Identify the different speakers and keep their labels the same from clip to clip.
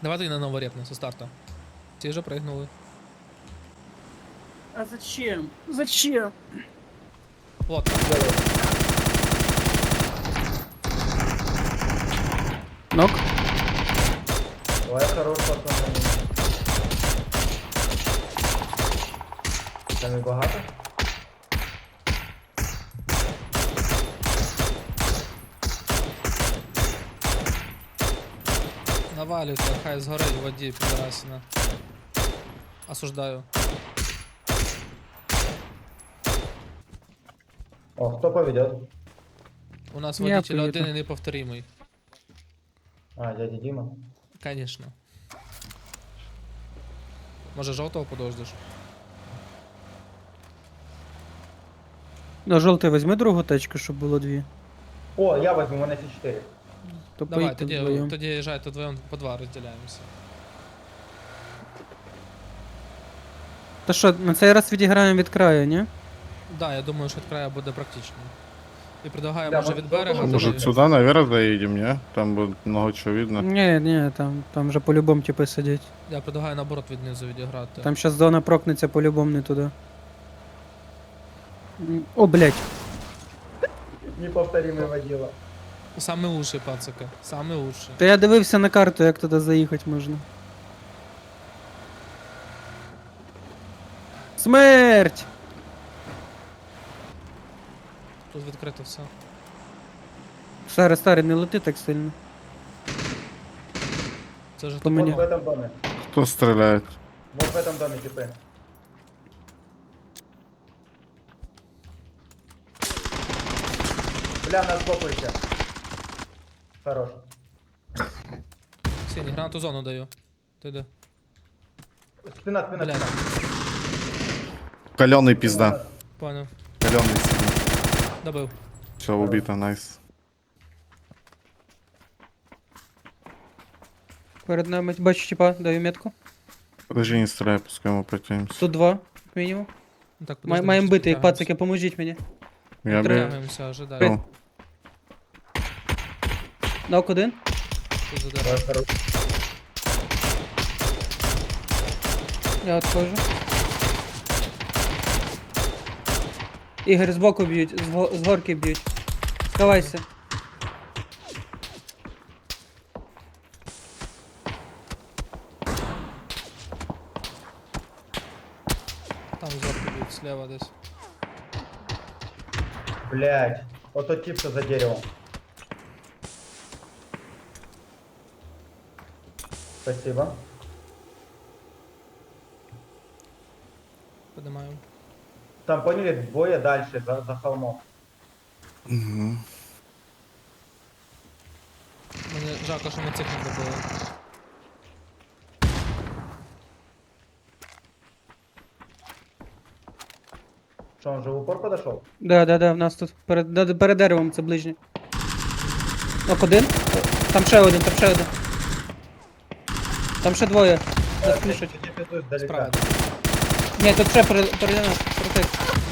Speaker 1: Давайте на новый репну со старта. Те же прыгнули.
Speaker 2: А зачем? Зачем?
Speaker 1: Вот.
Speaker 2: Нок.
Speaker 3: Ой, хорош, пацани. Там і багато?
Speaker 1: Навалюйте, хай згорить в воді, підарасина. Осуждаю.
Speaker 3: О, хто поведет?
Speaker 1: У нас
Speaker 2: Я
Speaker 1: водитель
Speaker 2: поїду.
Speaker 1: один і неповторимий.
Speaker 3: А, дядя Дима.
Speaker 1: Конечно. Може жовтого подождеш?
Speaker 2: На жовтий візьми другу тачку, щоб було дві.
Speaker 3: О, я возьму, у мене ці 4.
Speaker 2: То
Speaker 1: Давай,
Speaker 2: поїдьте
Speaker 1: тоді,
Speaker 2: вдвоєм.
Speaker 1: тоді їжджайте вдвоєм по два розділяємося.
Speaker 2: Та що, на цей раз відіграємо від краю, ні?
Speaker 1: Да, я думаю, що від краю буде практично. І предлагаю,
Speaker 3: Да,
Speaker 1: може
Speaker 3: може,
Speaker 1: від берега.
Speaker 3: жовтого
Speaker 1: тоді-
Speaker 4: Может сюда наверх заедем, не? Там будет много чего видно.
Speaker 2: Ні, там вже по-любому типи сидять.
Speaker 1: Я предлагаю наоборот від низу відіграти.
Speaker 2: Там щас зона прокнеться по-любому не туди. О, блядь.
Speaker 3: Неповторимый водила.
Speaker 1: Саме лучший, пацаки. Саме лучший.
Speaker 2: Та я дивився на карту, як туди заїхати можна. Смерть!
Speaker 1: Тут відкрито все.
Speaker 2: Старий, не лети так сильно.
Speaker 1: Це ж
Speaker 2: По мені.
Speaker 3: Вот в этом доме.
Speaker 4: Кто стреляет?
Speaker 3: Вот в этом доме типы. Бля, нас бопаете. Хорош.
Speaker 1: Сінь, гранату зону даю. Ти де?
Speaker 3: Спина, спина,
Speaker 1: Блядь.
Speaker 3: спина.
Speaker 4: Каленый пизда.
Speaker 1: Понял.
Speaker 4: Каленый сильно.
Speaker 1: Добив.
Speaker 4: Все, убито, найс.
Speaker 2: Перед нами бачу, типа, даю метку.
Speaker 4: Подожди, не стреляй, пускай мы протянемся.
Speaker 2: Тут два, як мінімум.
Speaker 1: Ну, так, подожди,
Speaker 2: Маємо
Speaker 1: ми
Speaker 2: бити їх,
Speaker 1: підтягуємося.
Speaker 2: пацики, поможіть мені.
Speaker 4: Я бы...
Speaker 1: Підтягуємося, ожидай.
Speaker 4: Ну,
Speaker 2: Нок один.
Speaker 1: Тут задирай.
Speaker 3: Хорош.
Speaker 2: Я отходжу. Ігор, збоку б'ють, з горки б'ють. Сховайся.
Speaker 1: Там зверху б'ють, слева десь.
Speaker 3: Блядь. Вот тот тип, что за деревом. Спасибо.
Speaker 1: Подимаю.
Speaker 3: Там поняли, двое дальше, за холмом.
Speaker 4: мгм.
Speaker 1: Мені жалко, що ми цих не добили.
Speaker 3: Что, он же в упор подошел?
Speaker 2: Да, в нас тут. Перед деревом це ближнє. Нок один. Там ще один. Там ще двоє. Нас пушать.
Speaker 3: Я пиздуюсь далеко.
Speaker 1: Справа.
Speaker 2: Ні, тут ще перед нас. Проти.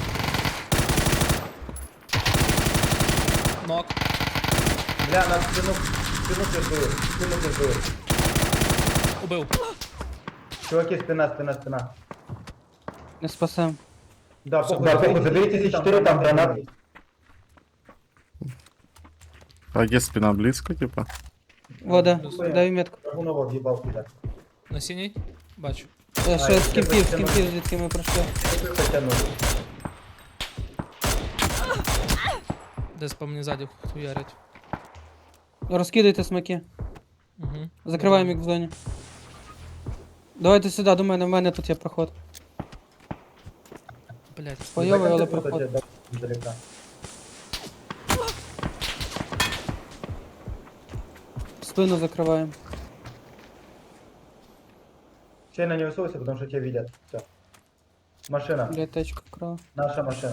Speaker 1: Нок.
Speaker 3: Бля, нас спину пиздует. Спину пиздует.
Speaker 1: Убив.
Speaker 3: Чуваки, спина.
Speaker 2: Не спасем.
Speaker 3: Да, похуй, заберите эти 4 там гранаты.
Speaker 4: А где спина близко, типа?
Speaker 2: Вода,
Speaker 1: Плюс.
Speaker 2: даю метку.
Speaker 3: Драгунова въебал сюда.
Speaker 1: На синій? Бачу.
Speaker 2: Ще
Speaker 3: я
Speaker 2: з кімпів,
Speaker 3: тебе
Speaker 2: звідки ми пройшли.
Speaker 3: Потянули.
Speaker 1: Десь по мені ззаді хуярять.
Speaker 2: Розкидайте смаки.
Speaker 1: Угу.
Speaker 2: Закриваємо їх в зоні. Давайте сюди, до мене, в мене тут є проход.
Speaker 1: Блять.
Speaker 2: Бойовий, але
Speaker 3: Закатывай
Speaker 2: проход.
Speaker 3: тебя издалека.
Speaker 2: Спину закриваємо.
Speaker 3: Сильно не высовывайся, потому что тебя видят. Все. Машина.
Speaker 2: Блять, тачка вкрала.
Speaker 3: Наша машина.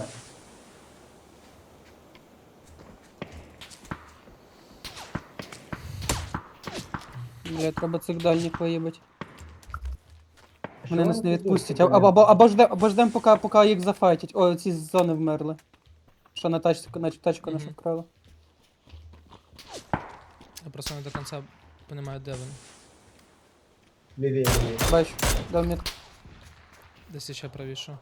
Speaker 2: Блять, треба цих дальніх виїбать.
Speaker 3: Що
Speaker 2: Вони нас
Speaker 3: вони
Speaker 2: не
Speaker 3: тут
Speaker 2: відпустять.
Speaker 3: тут,
Speaker 2: Або ждем, поки їх зафайтять. О, ці з зони вмерли. Що на тачку нашу
Speaker 1: Мгм.
Speaker 2: вкрали.
Speaker 1: Я просто не до кінця розумію, де він.
Speaker 3: Левее, левее.
Speaker 2: Бачу, дав метку.
Speaker 1: Десь ще правіше.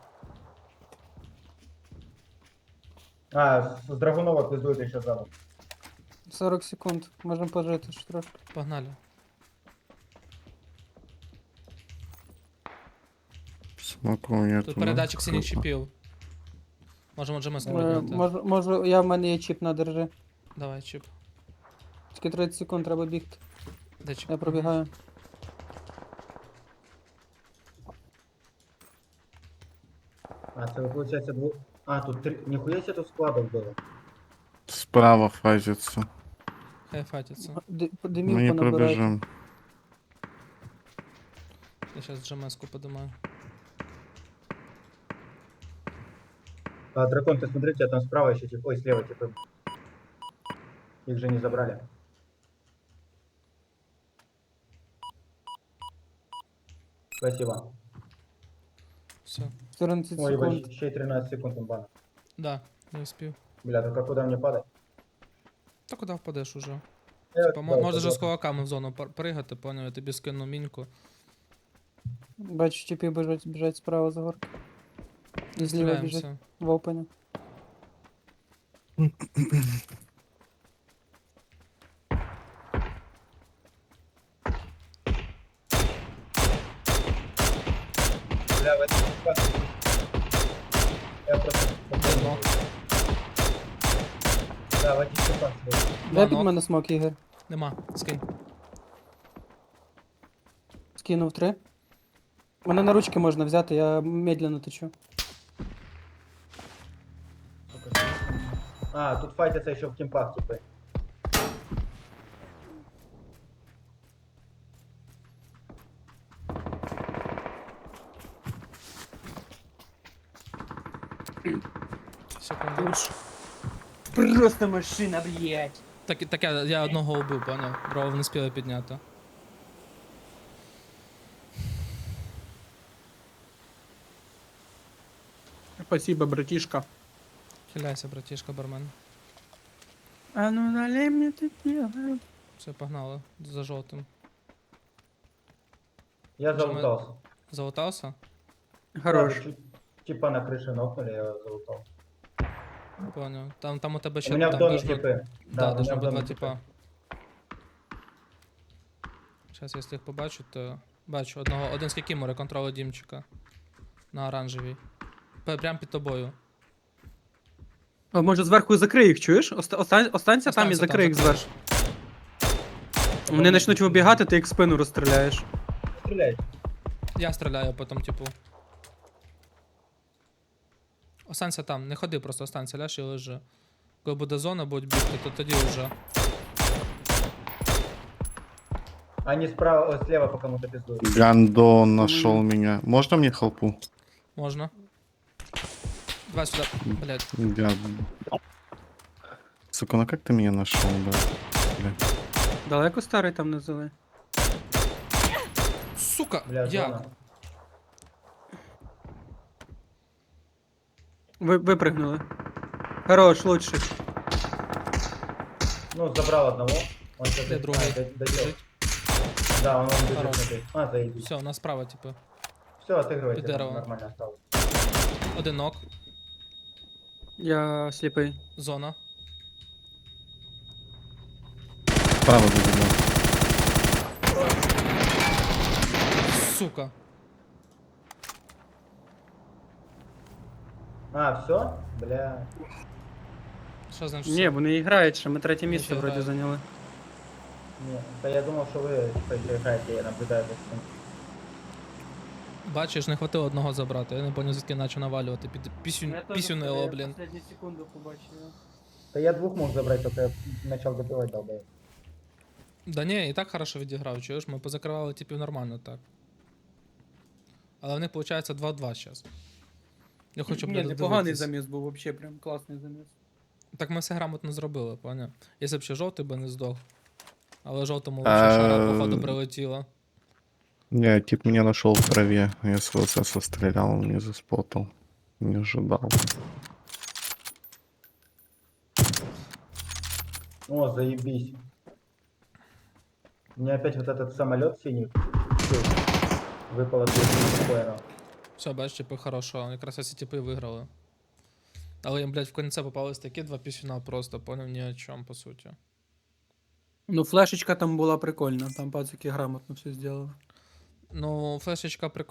Speaker 3: А, с Драгунова пиздует еще заново.
Speaker 2: 40 секунд. Можемо пожити ще трошки.
Speaker 1: Погнали.
Speaker 4: Смоку нету.
Speaker 1: Тут
Speaker 4: ну,
Speaker 1: передатчик синіх
Speaker 4: круто.
Speaker 1: чіпів. Можемо GMS
Speaker 2: Е,
Speaker 1: підняти.
Speaker 2: Можу, в мене є чіп на держи.
Speaker 1: Давай, чіп.
Speaker 2: Тільки 30 секунд треба бігти.
Speaker 1: Де чіп?
Speaker 2: Я пробігаю.
Speaker 3: А, это получается двух... А, тут три... Нихуя себе тут складов было.
Speaker 4: Справа фазится.
Speaker 1: Хай фатяться.
Speaker 4: Мы
Speaker 2: Димів
Speaker 4: не
Speaker 2: понабирати.
Speaker 4: пробежим.
Speaker 1: Я зараз GMS-ку подимаю.
Speaker 3: А, дракон, ты смотри, у тебя там справа еще типа... Ой, слева типа... Их же не забрали. Спасибо.
Speaker 1: Все.
Speaker 2: 14
Speaker 3: Ой, ебать,
Speaker 2: секунд.
Speaker 3: еще и 13 секунд имбана.
Speaker 1: Да, не успів.
Speaker 3: Бля, только куда мне падать?
Speaker 1: Та куди впадеш уже?
Speaker 3: Я
Speaker 1: Типа,
Speaker 3: туда
Speaker 1: можна же з
Speaker 3: упаду.
Speaker 1: кулаками в зону пригати, поняв, я тобі скину міньку.
Speaker 2: Бачу, чіпі біжать справа за горки. І зліва біжить
Speaker 1: Стріляємося.
Speaker 2: в опені.
Speaker 3: Бля, в этом... Я просто...
Speaker 1: Нок.
Speaker 3: Да, в этих типах.
Speaker 2: Дай під
Speaker 1: нок.
Speaker 2: мене смок, Ігор.
Speaker 1: Нема, скинь.
Speaker 2: Скинув 3. Мене на ручки можна взяти, я медленно течу.
Speaker 3: А, тут файтятся еще в кемпах, типа.
Speaker 1: Секунду.
Speaker 2: Просто машина, блядь.
Speaker 1: Так я одного убив, поняв. Другого не спіли підняти.
Speaker 2: Спасибо, братишка.
Speaker 1: Хиляйся, братішка, бармен.
Speaker 2: А ну налей мне теперь.
Speaker 1: Все, погнали. За жовтим.
Speaker 3: Я
Speaker 1: Джамэ-
Speaker 3: залутался.
Speaker 1: Залутався?
Speaker 2: Хорош.
Speaker 3: Да, типа на крыше нокнули, я залутал.
Speaker 1: Поняв. Там у тебе
Speaker 3: У
Speaker 1: ще
Speaker 3: меня в
Speaker 1: там
Speaker 3: доме
Speaker 1: должно-
Speaker 3: типы.
Speaker 1: Да,
Speaker 3: у меня
Speaker 1: должно
Speaker 3: в
Speaker 1: бути
Speaker 3: доме
Speaker 1: два типа. Зараз, якщо їх побачу, то бачу одного. Один з кікімори, контролю Дімчика. На оранжевій. Прям під тобою.
Speaker 2: А може зверху закрий їх, чуєш? Останься там і
Speaker 1: Останься
Speaker 2: закрий їх
Speaker 1: закриєш.
Speaker 2: зверху. Вони почнуть вибігати, ти їх в спину розстріляєш.
Speaker 3: Стреляй.
Speaker 1: Я стріляю потім, типу. Останься там, не ходи, просто останься, ляж і лежи. Коли буде зона, будуть бігти, то тоді вже.
Speaker 3: Они справа, о, слева по кому-то пиздуют.
Speaker 4: Гандон нашел меня. Можно мне халпу?
Speaker 1: Можна. Давай сюди. Блять.
Speaker 4: Я... Сука, ну как ты меня нашел, да? Бля.
Speaker 2: Далеко старий там не взяли?
Speaker 1: Сука!
Speaker 3: Бля,
Speaker 1: Як?
Speaker 3: зона.
Speaker 2: Випригнули. Хорош, лучший.
Speaker 3: Ну, забрал одного. Он сейчас
Speaker 1: Де другий?
Speaker 3: доделал. Да, он бежит
Speaker 1: Хорош.
Speaker 3: смотри. А, заебись.
Speaker 1: Все, у нас справа, типу.
Speaker 3: Все, отыгрывайте,
Speaker 1: Под деревом.
Speaker 3: нормально осталось.
Speaker 1: Один нок.
Speaker 2: Я сліпий.
Speaker 1: Зона.
Speaker 4: Справа забегал.
Speaker 1: Сука.
Speaker 3: А, все? Бля.
Speaker 1: Що значить?
Speaker 2: Ні, вони грають ще, ми третє місце
Speaker 1: ще
Speaker 2: вроді
Speaker 1: грають.
Speaker 2: зайняли.
Speaker 3: Не, да я думал, что вы типа еще играете, я наблюдаю за этим.
Speaker 1: Бачиш, не хватило одного забрати. Я не поняв, звідки наче навалювати. Пісюнило, блін.
Speaker 2: Останню секунду побачив.
Speaker 3: Да я двух мог забрать, только я начал добивать долбоеб.
Speaker 1: Да ні, і так хорошо відіграв, чуєш, ми позакривали типів нормально так. Але в них виходить 2-2 зараз. Я хочу,
Speaker 2: Ні,
Speaker 1: блядь,
Speaker 2: непоганий
Speaker 1: додивитись.
Speaker 2: заміс був, взагалі прям класний заміс.
Speaker 1: Так ми все грамотно зробили, поняв? Якщо б ще жовтий би не здох. Але жовтому лише шара, походу, прилетіла.
Speaker 4: Не, тип меня нашел в траве. Я с ВСС стрелял, он не заспотал. Не ожидал.
Speaker 3: О, заебись. Мне опять вот этот самолет синий Выпало 2 плеера.
Speaker 1: Все, бачиш, типи хорошо. Якраз ці типи виграли. Але їм, блядь, в кінці попались такі два пісюна просто, поняв, ні о чому, по суті.
Speaker 2: Ну, флешечка там була прикольна, там пацики грамотно все зробили.
Speaker 1: Ну, флешечка прикольна.